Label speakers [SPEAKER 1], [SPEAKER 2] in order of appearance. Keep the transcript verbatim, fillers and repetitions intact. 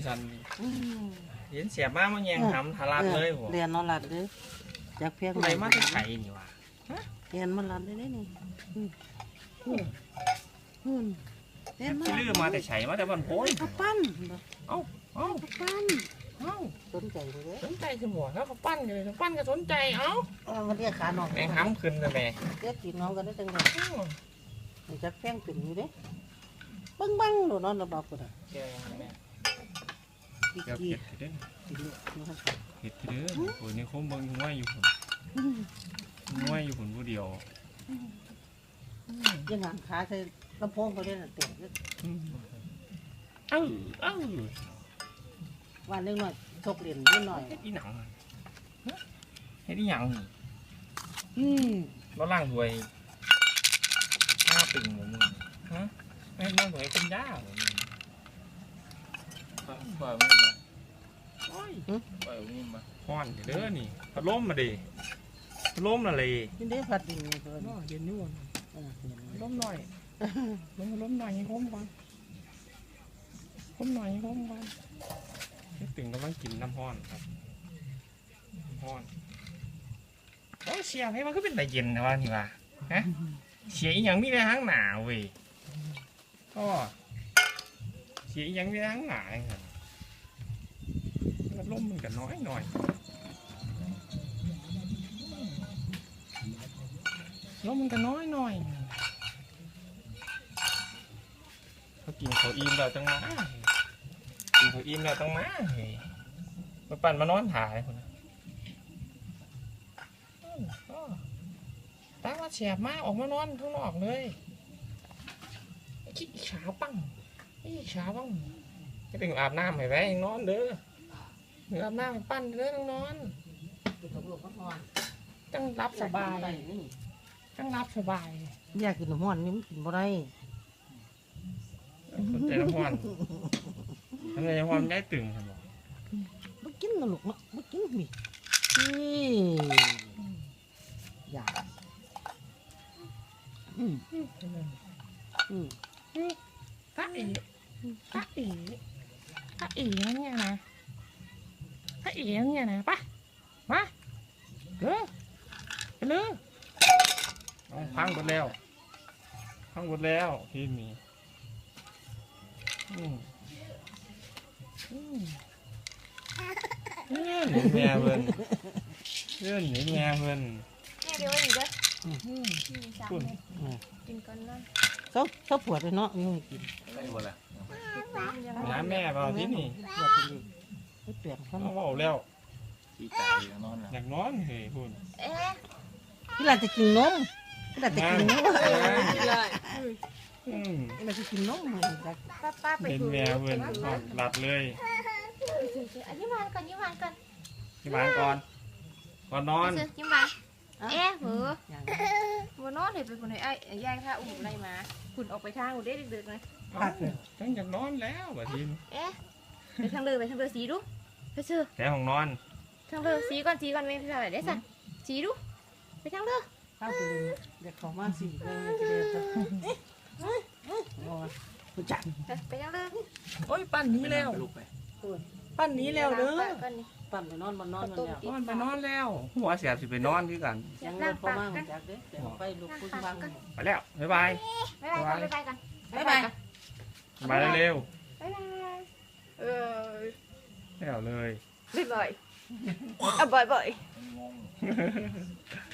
[SPEAKER 1] สันเห็นเสียบ้ามันยังทำทารัดเลยผม
[SPEAKER 2] เรียนนอนหลับเลยจากเพียง
[SPEAKER 1] อะไรมาจะไข่นี่วะ
[SPEAKER 2] เรียนมันหลับได้ได้นี่
[SPEAKER 1] เรียนมาลื้อมาแต่ไข่มาแต่บันโพย
[SPEAKER 2] เขาปั้น
[SPEAKER 1] เอ้าเอ้า
[SPEAKER 2] ปั้น
[SPEAKER 1] เอ้า
[SPEAKER 2] สนใจเลย
[SPEAKER 1] สนใจสมองแล้วเขาปั้นเลยเขาปั้นก็สนใจเอ้า
[SPEAKER 2] มันเรียกขาหนอก
[SPEAKER 1] แมงห้ำขึ้นเลยแม่
[SPEAKER 2] เรียกตีน้องกันได้จังเลยมันจะแป้งขึ้นอยู่เด้บังบังหนูนอนระบาดกูนะ
[SPEAKER 1] เจ้าแม่
[SPEAKER 2] เห็ดเห็ดเด้อ
[SPEAKER 1] เห็ดเด้อโอ้ยนี่เขาเบิ่งง่ายอยู่ผมง่ายอยู่ผมผู้เดียว
[SPEAKER 2] ยังหางขาใส่ลำโพงเขาได้น่ะเตะ
[SPEAKER 1] เอ้าเอ้า
[SPEAKER 2] วันเล็กหน่อยชกเหรียญนิดหน่อย
[SPEAKER 1] เฮ็ดอีหนังเฮ็ดอีหยังนี่
[SPEAKER 2] อืม
[SPEAKER 1] เราล่างถวยห้าปิ่งหมูมึงฮะไม่ล่างถวยเป็นย่าหมูมึงปล่อยมึงมาปล่อยปล่อยมึงมาพอนเด้อนี่พัดลมมาดิพัดลมอะไร
[SPEAKER 2] นี่ได้ผัดดิ่งเลยเ
[SPEAKER 1] นาะเย็นนู่นล้มหน่อยล้มล้มหน่อยให้ล้มก่อนล้มหน่อยให้ล้มก่อนนี่ตึงกำลังกินน้ำห้อนครับน้ำห้อนโอ้เชียร์ให้มันก็เป็นแต่เย็นนะวะนี่วะฮะเชียร์อย่างมีในห้างหนาวเว้ยก็เชียร์อย่างมีในห้างหนาวครับแล้วล้มมันก็น้อยหน่อยล้มมันก็น้อยหน่อยเขากินเขาอิ่มแล้วจังมากินเขาอิ่มแล้วจังมาเฮ้ยมาปั่นมานอนถ่ายคนนะตั้งมาแฉบมากออกมานอนข้างนอกเลยขี้ขาปังขี้ขาปังจะเป็นอาบน้ำให้ไว้นอนเด้ออาบน้ำให้ปั้นเด้อต้องนอนตั้งรับสบายตั้งรับสบาย
[SPEAKER 2] อยากกินน้ำมันนี่มันกินบ่ได้
[SPEAKER 1] สนใจน้ำมันทำไมน้ำมันได้ตึงใช่ไหม
[SPEAKER 2] ไม่กินนะลูกเนาะไม่กินมีนี่อยากอืมอืม
[SPEAKER 1] พระเอ๋พระเอ๋พระเอ๋เนี่ยนะพระเอ๋เนี่ยนะปะมาเด้อไปเลยพังหมดแล้วพังหมดแล้วที่มีอืมอืมเนี่ยหนีแม่เพิ่นเพื่อนหนีแม่เพิ่น
[SPEAKER 3] เนี่ยเดี๋ยวอีกเด้อคุณกินก่อนนะ
[SPEAKER 2] เขาเขาปวดเลยเนาะยังกิน
[SPEAKER 1] ไปหมดแล้วน้าแม่เปล่าที่นี่
[SPEAKER 2] ปวดเลยไม่เปลี่ยนเขา
[SPEAKER 1] เบาแล้วขี้ตายอยากนอนอยากนอนเฮ้ยคุณ
[SPEAKER 3] เอ๊ะ
[SPEAKER 2] ที่เราจะกินนมที่เราจะกินนม
[SPEAKER 3] เลย
[SPEAKER 2] อืมเราจะกินนมเหมือนกัน
[SPEAKER 3] ป้าป้าไป
[SPEAKER 1] เป็นแม่เพื่อนหลับเลย
[SPEAKER 3] อันนี้วานก่อนยิ้มวานก่อน
[SPEAKER 1] ยิ้มวานก่อนก่อนนอน
[SPEAKER 3] ยิ้มวานเอ๊ะเหรอวันนอนเห็นเป็นคนไหนไอ้ยายข้าอุ้มอะไรมาคุณออกไปทางอุเด็กดึกๆเลย
[SPEAKER 1] ตั้งอยากนอนแล้วแบบที
[SPEAKER 3] เอ๊ะไปทางเรือไปทางเรือสีดูไปเชื่อ
[SPEAKER 1] แต่ห้องนอน
[SPEAKER 3] ทางเรือสีก่อนสีก่อนไม่ใช่ได้สั่งสีดูไปทางเรือ
[SPEAKER 2] ข้าวไปเลยเด็กของมาสีเลยจะเดินไปจัด
[SPEAKER 3] ไปทางเรือ
[SPEAKER 1] โอ้ยปั้นนี้แล้วปั้นนี้แล้วเด้อ
[SPEAKER 2] ปั่นไปนอนมันนอนมันแล้ว
[SPEAKER 1] นอนไปนอนแล้วหัวเสียบสิไปนอนที่กัน
[SPEAKER 2] ยังเลิกเข้ามาจากเด้อไปลุกพึ่งฟัง
[SPEAKER 1] ไปแล้วบ๊ายบาย
[SPEAKER 3] บ๊ายบายบ๊ายบายกัน
[SPEAKER 2] บ๊ายบาย
[SPEAKER 1] บ๊ายบายเร็ว
[SPEAKER 3] บ๊ายบายเออ
[SPEAKER 1] แล้วเลย
[SPEAKER 3] บ๊ายบายอ่ะบ่อยบ่อย